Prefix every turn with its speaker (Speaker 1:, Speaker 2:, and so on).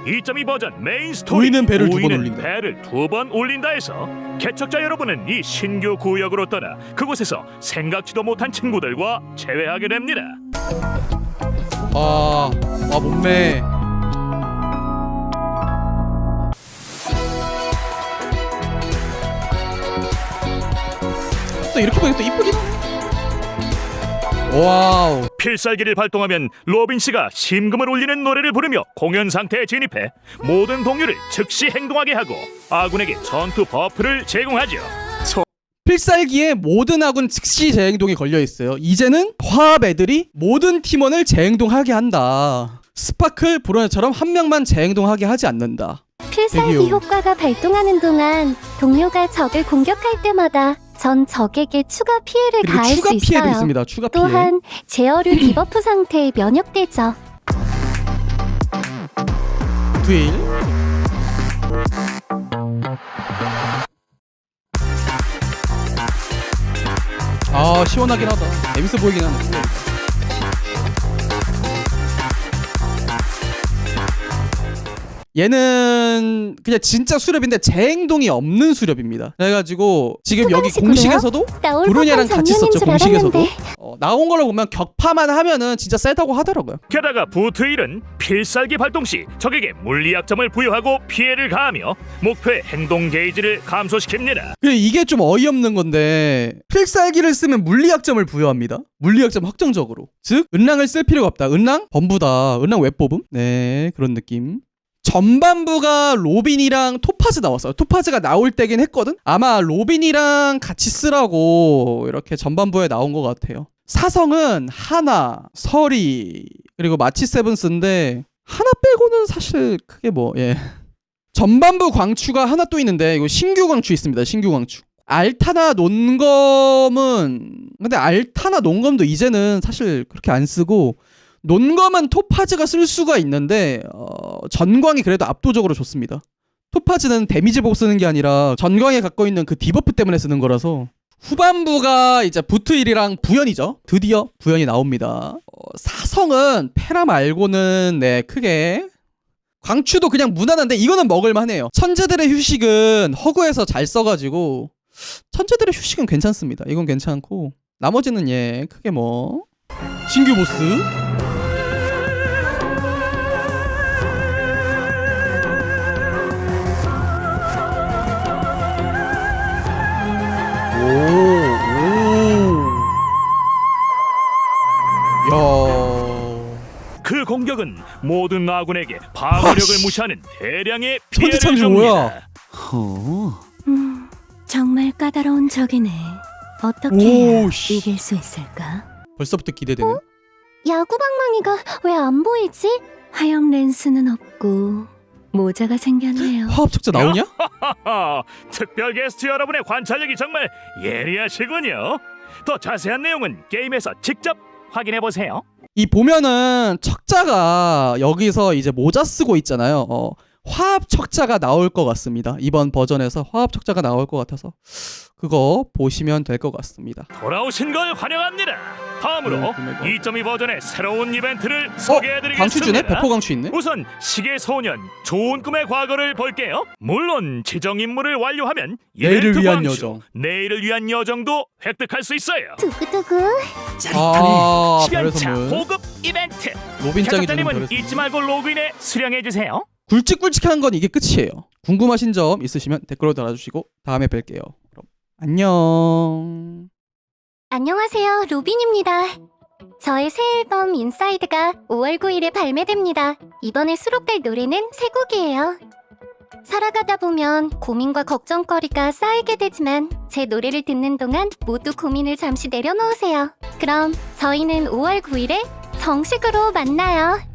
Speaker 1: 2.2 버전 메인 스토리
Speaker 2: 우위는 배를 두번
Speaker 1: 우위는
Speaker 2: 올린다.
Speaker 1: 배를 2번 올린다 해서 개척자 여러분은 이 신규 구역으로 떠나 그곳에서 생각지도 못한 친구들과 재회하게 됩니다.
Speaker 2: 몸매. 또 이렇게 보니까 또 이쁘긴 하네. 와우.
Speaker 1: 필살기를 발동하면 로빈 씨가 심금을 울리는 노래를 부르며 공연 상태에 진입해 모든 동료를 즉시 행동하게 하고 아군에게 전투 버프를 제공하죠.
Speaker 2: 필살기에 모든 아군 즉시 재행동이 걸려있어요. 이제는 화합 애들이 모든 팀원을 재행동하게 한다. 스파클, 브로네처럼 한 명만 재행동하게 하지 않는다.
Speaker 3: 필살기
Speaker 2: 대기요.
Speaker 3: 효과가 발동하는 동안 동료가 적을 공격할 때마다 전 적에게 추가 피해를
Speaker 2: 그리고
Speaker 3: 가할
Speaker 2: 추가
Speaker 3: 수
Speaker 2: 피해도
Speaker 3: 있어요.
Speaker 2: 있습니다. 추가 피해.
Speaker 3: 또한 제어류 디버프 상태에 면역되죠.
Speaker 2: 듀일. 시원하긴 하다. 재밌어 보이긴 하네. 얘는 그냥 진짜 수렵인데 재행동이 없는 수렵입니다. 그래가지고 지금 여기
Speaker 3: 소방식으로요?
Speaker 2: 공식에서도
Speaker 3: 나올
Speaker 2: 브루냐랑
Speaker 3: 법한
Speaker 2: 같이
Speaker 3: 장면인
Speaker 2: 썼죠.
Speaker 3: 줄
Speaker 2: 공식에서도
Speaker 3: 알았는데.
Speaker 2: 나온 걸로 보면 격파만 하면은 진짜 세다고 하더라고요.
Speaker 1: 게다가 부트일은 필살기 발동 시 적에게 물리약점을 부여하고 피해를 가하며 목표의 행동 게이지를 감소시킵니다.
Speaker 2: 근데 이게 좀 어이없는 건데 필살기를 쓰면 물리약점을 부여합니다. 물리약점 확정적으로. 즉 은랑을 쓸 필요가 없다. 은랑? 범부다. 은랑 왜 뽑음? 네, 그런 느낌. 전반부가 로빈이랑 토파즈 나왔어요. 토파즈가 나올 때긴 했거든? 아마 로빈이랑 같이 쓰라고 이렇게 전반부에 나온 것 같아요. 사성은 하나, 서리, 그리고 마치 세븐스인데 하나 빼고는 사실 크게 전반부 광추가 하나 또 있는데 이거 신규 광추 있습니다. 신규 광추. 알타나 논검은 근데 알타나 논검도 이제는 사실 그렇게 안 쓰고 논검은 토파즈가 쓸 수가 있는데 전광이 그래도 압도적으로 좋습니다. 토파즈는 데미지 보고 쓰는 게 아니라 전광에 갖고 있는 그 디버프 때문에 쓰는 거라서. 후반부가 이제 부트일이랑 부연이죠. 드디어 부연이 나옵니다. 사성은 페라 말고는 크게 광추도 그냥 무난한데 이거는 먹을만해요. 천재들의 휴식은 허구에서 잘 써가지고 천재들의 휴식은 괜찮습니다. 이건 괜찮고 나머지는 크게 신규 보스
Speaker 1: 그 공격은 모든 아군에게 방어력을 무시하는 대량의 피해를
Speaker 2: 천지창조
Speaker 1: 줍니다.
Speaker 2: 뭐야?
Speaker 3: 정말 까다로운 적이네. 어떻게
Speaker 2: 오, 씨.
Speaker 3: 이길 수 있을까?
Speaker 2: 벌써부터 기대되네.
Speaker 3: 야구방망이가 왜 안 보이지? 화염 렌스는 없고 모자가 생겼네요.
Speaker 2: 화합 척자 나오냐?
Speaker 1: 하하, 특별 게스트 여러분의 관찰력이 정말 예리하시군요. 더 자세한 내용은 게임에서 직접 확인해 보세요.
Speaker 2: 이 보면은 척자가 여기서 이제 모자 쓰고 있잖아요. 화합 척자가 나올 것 같습니다. 이번 버전에서 화합 척자가 나올 것 같아서 그거 보시면 될 것 같습니다.
Speaker 1: 돌아오신 걸 환영합니다. 다음으로
Speaker 2: 그러니까.
Speaker 1: 2.2 버전의 새로운 이벤트를
Speaker 2: 광추 주네?
Speaker 1: 소개해드리겠습니다.
Speaker 2: 배포 광추 있네?
Speaker 1: 우선 시계소년 좋은 꿈의 과거를 볼게요. 물론 지정 임무를 완료하면
Speaker 2: 내일을
Speaker 1: 이벤트
Speaker 2: 위한
Speaker 1: 광추,
Speaker 2: 여정.
Speaker 1: 내일을 위한 여정도 획득할 수 있어요.
Speaker 3: 두구두구.
Speaker 2: 별의
Speaker 1: 시간차
Speaker 2: 선물.
Speaker 1: 고급 이벤트.
Speaker 2: 로빈짱이 주는 별의
Speaker 1: 개척자님은
Speaker 2: 선물.
Speaker 1: 잊지 말고 로그인해 수령해주세요.
Speaker 2: 굵직굵직한 건 이게 끝이에요. 궁금하신 점 있으시면 댓글로 달아주시고 다음에 뵐게요. 그럼 안녕.
Speaker 3: 안녕하세요, 로빈입니다. 저의 새 앨범 인사이드가 5월 9일에 발매됩니다. 이번에 수록될 노래는 세 곡이에요. 살아가다 보면 고민과 걱정거리가 쌓이게 되지만 제 노래를 듣는 동안 모두 고민을 잠시 내려놓으세요. 그럼 저희는 5월 9일에 정식으로 만나요.